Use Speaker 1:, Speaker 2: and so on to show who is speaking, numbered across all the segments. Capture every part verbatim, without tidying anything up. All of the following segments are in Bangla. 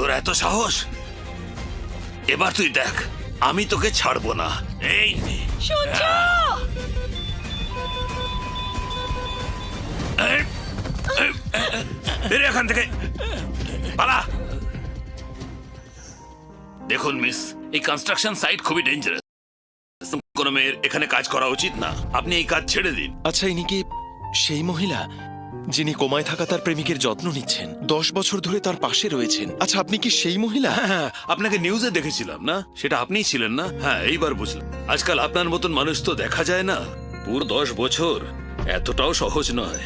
Speaker 1: তোর এত সাহস? এবার তুই দেখ, আমি তোকে ছাড়বো না। এই নে।
Speaker 2: সূর্য!
Speaker 1: এই, এই, বেরিয়ে এখান থেকে, পালা। দেখুন মিস, এই কনস্ট্রাকশন সাইট খুবই ডেঞ্জারাস। কোনো মেয়ের এখানে কাজ করা উচিত না। আপনি এই কাজ ছেড়ে দিন।
Speaker 3: আচ্ছা, ইনি কি সেই মহিলা যিনি কোমায় থাকা তার প্রেমিকের যত্ন নিচ্ছেন, দশ বছর ধরে তার পাশে রয়েছেন? আচ্ছা, আপনি কি সেই মহিলা?
Speaker 1: হ্যাঁ হ্যাঁ, আপনাকে নিউজে দেখেছিলাম না, সেটা আপনিই ছিলেন না? হ্যাঁ, এইবার বুঝলাম। আজকাল আপনার মতন মানুষ তো দেখা যায় না। পুরো দশ বছর এতটাও সহজ নয়।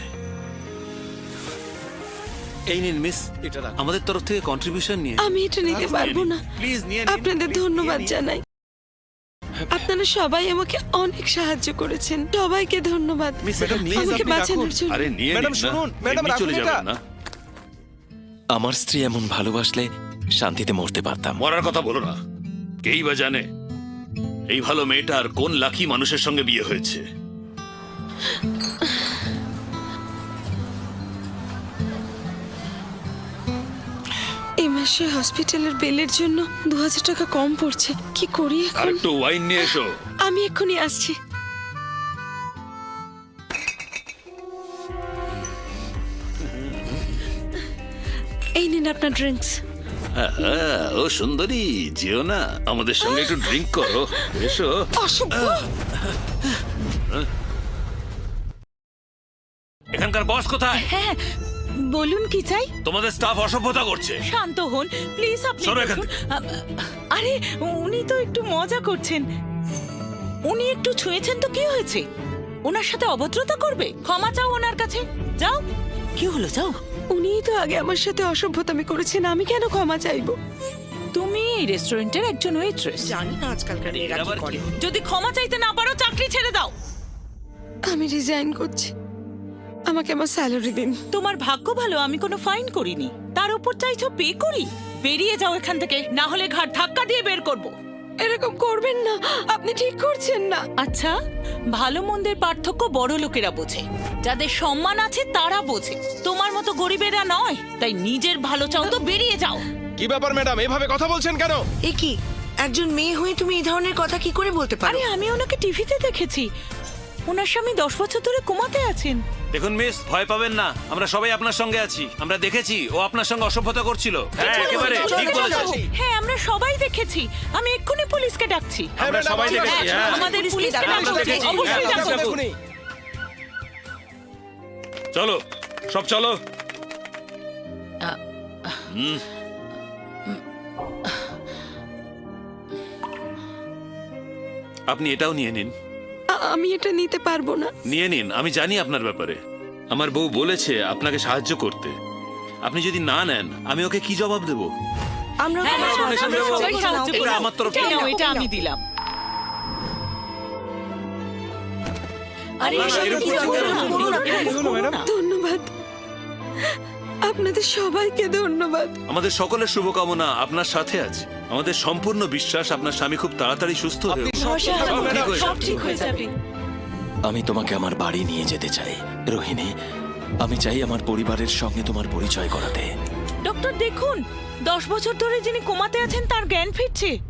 Speaker 1: এই নিন মিস,
Speaker 3: এটা রাখুন।
Speaker 1: আমাদের তরফ থেকে কন্ট্রিবিউশন নিয়ে।
Speaker 2: আমি এটা নিতে পারবো না।
Speaker 1: প্লিজ নিয়ে নিন।
Speaker 2: আপনাদের
Speaker 1: Please,
Speaker 2: ধন্যবাদ
Speaker 1: নিয়ে নিন।
Speaker 2: জানাই। আপনারা সবাই আমাকে অনেক সাহায্য করেছেন। সবাইকে ধন্যবাদ
Speaker 1: মিস, ম্যাডাম, please,
Speaker 2: আমাকে
Speaker 1: আপনি
Speaker 2: বাঁচানোর
Speaker 1: রাখুন।
Speaker 2: জন্য।
Speaker 1: আরে নিয়ে
Speaker 3: ম্যাডাম,
Speaker 1: নিন না।
Speaker 3: শুনুন, ম্যাডাম,
Speaker 1: এমনি চলে
Speaker 3: রাখুন
Speaker 1: যাবেন
Speaker 3: এটা।
Speaker 1: না।
Speaker 3: আমার স্ত্রী এমন ভালোবাসলে শান্তিতে মরতে পারতাম।
Speaker 1: মরার কথা বলো না। কেই বা জানে এই ভালো মেয়েটার কোন লাকি মানুষের সঙ্গে বিয়ে হয়েছে।
Speaker 2: এই মাসে হসপিটালের বিলের জন্য দু হাজার টাকা কম পড়ছে। কি করি
Speaker 1: আর
Speaker 2: এখন?
Speaker 1: একটু ওয়াইন নিয়ে এসো।
Speaker 2: আমি এক্ষুনি আসছি। এই নিন আপনার ড্রিঙ্কস।
Speaker 1: হ্যাঁ, ও সুন্দরী, যেও না, আমাদের সঙ্গে একটু ড্রিঙ্ক করো। এসো।
Speaker 2: অসভ্য!
Speaker 1: এখানকার বস কোথায়?
Speaker 4: হ্যাঁ, বলুন কি চাই?
Speaker 1: তোমাদের স্টাফ অসভ্যতা করছে।
Speaker 4: শান্ত হন প্লিজ। আপনি
Speaker 1: সরো এখান
Speaker 4: দেখুন। আ- আরে উনি তো একটু মজা করছেন। উনি একটু ছুঁয়েছেন তো কি হয়েছে? ওনার সাথে অভদ্রতা করবে? ক্ষমা চাও ওনার কাছে। যাও। কি হলো, যাও।
Speaker 2: উনিই তো আগে আমার সাথে অসভ্যতামি করেছেন, আমি কেন ক্ষমা চাইবো?
Speaker 4: তুমি এই রেস্টুরেন্টের একজন ওয়েট্রেস।
Speaker 5: জানি না আজকালকার মেয়েরা
Speaker 1: আবার
Speaker 5: কি
Speaker 1: কি?
Speaker 5: করে।
Speaker 4: যদি ক্ষমা চাইতে না পারো চাকরি ছেড়ে দাও।
Speaker 2: আমি রিজাইন করছি। আমাকে আমার স্যালারি দিন।
Speaker 4: তোমার ভাগ্য ভালো আমি কোনো ফাইন করিনি, তার উপর চাইছো পে করি। বেরিয়ে যাও এখান থেকে, না হলে ঘাট ধাক্কা দিয়ে বের করব।
Speaker 2: এরকম করবেন না, আপনি ঠিক করছেন না।
Speaker 4: আচ্ছা, ভালো মন্দের পার্থক্য বড় লোকেরা বোঝে, যাদের সম্মান আছে তারা বোঝে। তোমার মতো গরিবেরা নয়। তাই নিজের ভালো চাও তো বেরিয়ে যাও।
Speaker 3: কি ব্যাপার ম্যাডাম, এভাবে কথা বলছেন কেন?
Speaker 5: এ কি, একজন মেয়ে হয়ে তুমি এই ধরনের কথা কি করে বলতে পারো?
Speaker 4: আরে আমি ওনাকে টিভিতে দেখেছি। ওনার স্বামী দশ বছর ধরে কোমাতে আছেন।
Speaker 1: দেখুন মিস, ভয় পাবেন না, আমরা সবাই আপনার সঙ্গে আছি। আমরা দেখেছি ও আপনার সঙ্গে অসভ্যতা করছিল। হ্যাঁ, একেবারে ঠিক বলেছেন।
Speaker 4: হ্যাঁ, আমরা সবাই দেখেছি। আমি এক্ষুনি পুলিশকে ডাকছি।
Speaker 1: আমরা সবাই দেখেছি। হ্যাঁ,
Speaker 4: আমাদের পুলিশকে
Speaker 1: আমরা
Speaker 4: ডাকছি।
Speaker 1: দেখেছি।
Speaker 4: অবশ্যই
Speaker 1: হ্যাঁ,
Speaker 4: ডাকবো।
Speaker 1: চলো, সব চলো। হুম। আপনি এটাও নিয়ে নিন।
Speaker 2: আ- আমি এটা নিতে পারবো না।
Speaker 1: নিয়ে নিন, আমি জানি আপনার ব্যাপারে। আমার বউ বলেছে আপনাকে সাহায্য করতে। আপনি যদি না নেন, আমি ওকে কি জবাব দেব?
Speaker 5: আমরা
Speaker 4: হ্যাঁ,
Speaker 5: তোমার
Speaker 4: হ্যাঁ,
Speaker 5: সাহায্য
Speaker 4: আমরা
Speaker 5: করবো।
Speaker 4: সবাই সাহায্য
Speaker 1: এটা
Speaker 4: করবো।
Speaker 1: আমার তরফ
Speaker 4: এটা
Speaker 1: থেকে।
Speaker 4: নাও, এটা আমি দিলাম। আরে
Speaker 1: না, না,
Speaker 4: এসব
Speaker 1: এরকম
Speaker 4: কি
Speaker 1: করো
Speaker 4: করো
Speaker 1: না,
Speaker 4: না,
Speaker 1: করো না,
Speaker 4: এরকম করো না।
Speaker 2: ধন্যবাদ, আপনাদের সবাইকে ধন্যবাদ।
Speaker 1: আমাদের সকলের শুভকামনা আপনার সাথে আছে। আমাদের সম্পূর্ণ বিশ্বাস আপনার স্বামী খুব তাড়াতাড়ি সুস্থ হয়ে উঠবে।
Speaker 4: ভরসা
Speaker 1: সব
Speaker 4: রাখো,
Speaker 1: ঠিক হয়ে
Speaker 4: সব
Speaker 1: যাবে।
Speaker 4: ঠিক হয়ে যাবে।
Speaker 3: আমি তোমাকে আমার বাড়ি নিয়ে যেতে চাই রোহিণী। আমি চাই আমার পরিবারের সঙ্গে তোমার পরিচয় করাতে।
Speaker 4: ডক্টর দেখুন, দশ বছর ধরে যিনি কোমাতে আছেন তার জ্ঞান ফিরছে।